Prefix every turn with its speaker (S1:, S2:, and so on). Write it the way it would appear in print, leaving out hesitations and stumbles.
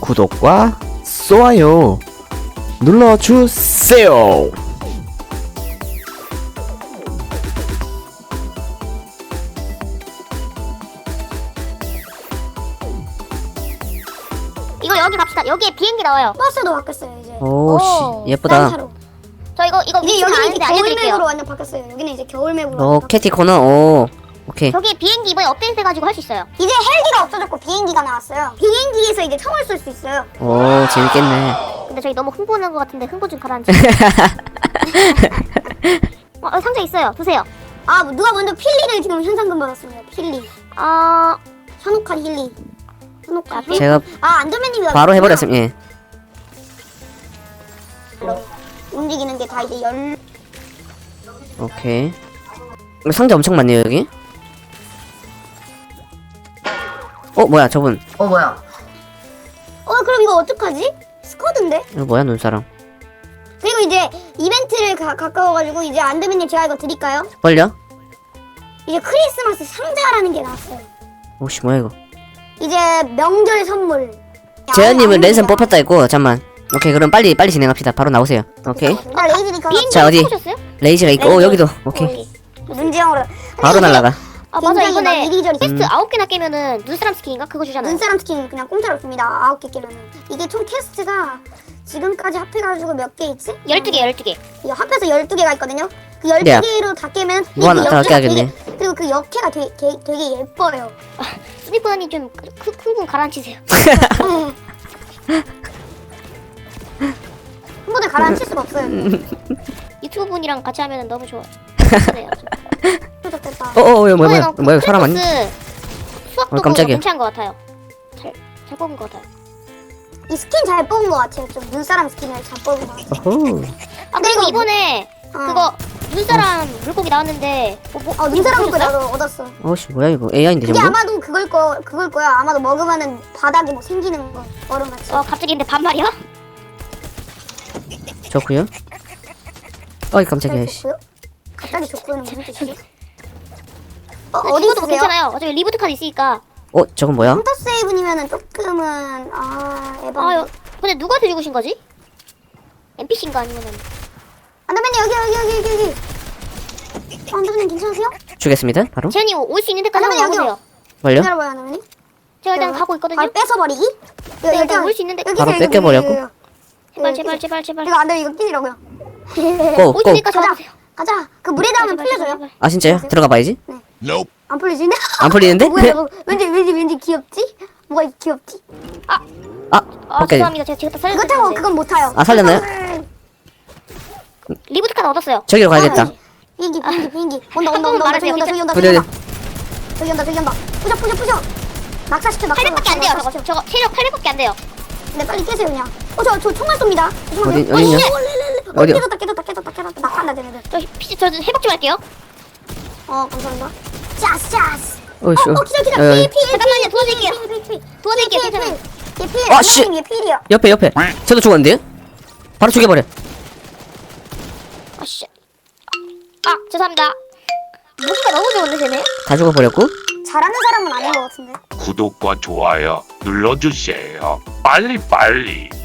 S1: 구독과 좋아요 눌러주세요.
S2: 이거 여기 갑시다. 여기에 비행기 나와요.
S3: 버스도 바뀌었어요 이제.
S1: 오씨 예쁘다.
S2: 저 이거
S3: 이제
S2: 위치는
S3: 여기는
S2: 아는데
S3: 이제 겨울맵으로
S2: 알려드릴게요.
S3: 완전 바뀌었어요. 여기는 이제 겨울맵으로.
S1: 오 캐티 코너. 오 오케이.
S2: 저기 비행기 이번에 업데이트해가지고 할 수 있어요.
S3: 이제 헬기가 없어졌고 비행기가 나왔어요. 비행기에서 이제 총을 쏠 수 있어요.
S1: 오 재밌겠네.
S2: 근데 저희 너무 흥분한 것 같은데 흥분 좀 가라앉히. 상자 있어요. 드세요.
S3: 아 누가 먼저 필리를 지금 현상금 받았습니다. 필리. 현혹한 힐리. 현혹한 힐리.
S1: 제가
S3: 안전맨님이
S1: 바로 해버렸습니다. 예.
S3: 움직이는 게 다 이제
S1: 오케이. 상자 엄청 많네요 여기. 뭐야 저분.
S3: 그럼 이거 어떡하지? 스쿼드인데?
S1: 이거 뭐야 눈사람.
S3: 그리고 이제 이벤트를 가까워가지고 이제 안드맨님 제가 이거 드릴까요?
S1: 걸려?
S3: 이제 크리스마스 상자라는 게 나왔어요.
S1: 오씨 뭐야 이거.
S3: 이제 명절 선물.
S1: 재현님은 랜선 뽑혔다 했고 잠만. 오케이 그럼 빨리 진행합시다. 바로 나오세요. 오케이.
S3: 레이즈니까
S2: 비행기
S1: 자, 어디?
S2: 보셨어요?
S1: 레이즈가 있고 여기도 오케이.
S3: 문제형으로
S1: 바로 날라가.
S2: 맞아.
S3: 굉장히
S2: 이번에
S3: 막 이리저리
S2: 퀘스트 9개나 깨면은 눈사람 스킨인가? 그거 주잖아요.
S3: 눈사람 스킨 그냥 공짜로 줍니다. 9개 깨면은. 이게 총 퀘스트가 지금까지 합해가지고 몇 개 있지?
S2: 12개.
S3: 이거 합해서 12개가 있거든요. 그
S1: 네.
S3: 12개로 다 깨면
S1: 뭐 하나
S3: 그
S1: 더
S3: 역해가
S1: 깨야겠네.
S3: 그리고 그 역해가 되게 예뻐요.
S2: 스니퍼님 좀 흥분 가라앉히세요.
S3: 한 번에 가라앉힐 수가 없어요.
S2: 유튜브 분이랑 같이 하면 너무 좋아요.
S3: 좋겠다.
S1: 뭐야 사람 아니?
S2: 수학도
S1: 깜짝이야.
S2: 괜찮은 것 같아요. 잘 뽑은 것 같아요.
S3: 이 스킨 잘 뽑은 것 같아요. 좀 눈사람 스킨을 잘 뽑은 것 같아요.
S1: 어허.
S2: 그리고 이번에
S3: 어.
S2: 그거 눈사람 물고기 나왔는데
S3: 눈사람
S2: 이거
S3: 거
S2: 보셨어요?
S3: 나도 얻었어.
S1: 어씨 뭐야 이거 AI인데
S3: 이게
S1: 전부?
S3: 아마도 그걸 거야. 아마도 먹으면은 바닥에 뭐 생기는 거 얼음같이.
S2: 갑자기 근데 반말이야?
S1: 좋구요. 어이 깜짝이야 씨.
S3: 좋고요? 갑자기 좋고요는 무슨 뜻이지?
S2: 어디
S3: 어디
S2: 뭐
S3: 있으세요?
S2: 괜찮아요. 어차피 리부트 카드 있으니까.
S1: 저건 뭐야?
S3: 헌터 세이브니면은 조금은 에바.
S2: 근데 누구한테 주신 거지? NPC인가 아니면은
S3: 안드맨님 여기. 안드맨님 괜찮으세요?
S1: 주겠습니다 바로.
S2: 재현이 올 수 있는 데까지
S3: 아니면
S2: 한번
S3: 여기요.
S2: 와보세요.
S1: 걸려?
S3: 기다려봐요 안드맨님.
S2: 제가 일단 가고 있거든요.
S3: 바로 뺏어버리기?
S2: 네, 일단 올수 있는데.
S1: 바로 뺏겨버렸고.
S2: 제발.
S3: 이거 안돼 이거 끼리라고요.
S1: 고!
S2: 올 수 있는 데까지
S3: 가자.
S2: 와보세요.
S3: 가자. 그 물에 닿으면 풀려줘요.
S1: 아 진짜요? 들어가 봐야지.
S3: 안 풀리지네?
S1: 안 풀리는데?
S3: 뭐야 이거 왠지 귀엽지? 뭐가 이렇게 귀엽지?
S1: 오케이.
S2: 죄송합니다. 제가 다
S3: 그거 타고
S2: 살려드렸는데.
S3: 그건 못 타요.
S1: 아, 살렸나요?
S2: 리부트 카드 얻었어요.
S1: 저기로 가야겠다.
S3: 비행기. 온다.
S2: 말하세요.
S3: 저기 온다.
S1: 그래.
S3: 부셔. 낙사시켜.
S2: 800밖에 안 돼요. 저거 체력 800밖에 안 돼요.
S3: 네 빨리 깨세요 그냥. 저 총알 쏩니다.
S1: 어디냐? 어디요?
S3: 깨졌다. 낙한다 쟤네들.
S2: 저 회복 좀 할게요.
S3: 감사합니다. 짜스.
S1: 어이씨.
S3: 기다려.
S2: 잠깐만요. 도와드릴게요. 괜찮아요.
S3: 얘
S1: 아, 씨.
S3: 얘 필이야.
S1: 옆에. 저도 죽었는데요? 바로 죽여버려.
S2: 아씨. 죄송합니다. 무기가 너무 좋은데 쟤네.
S1: 다 죽어버렸고.
S3: 잘하는 사람은 아닌 것 같은데.
S4: 구독과 좋아요 눌러주세요. 빨리.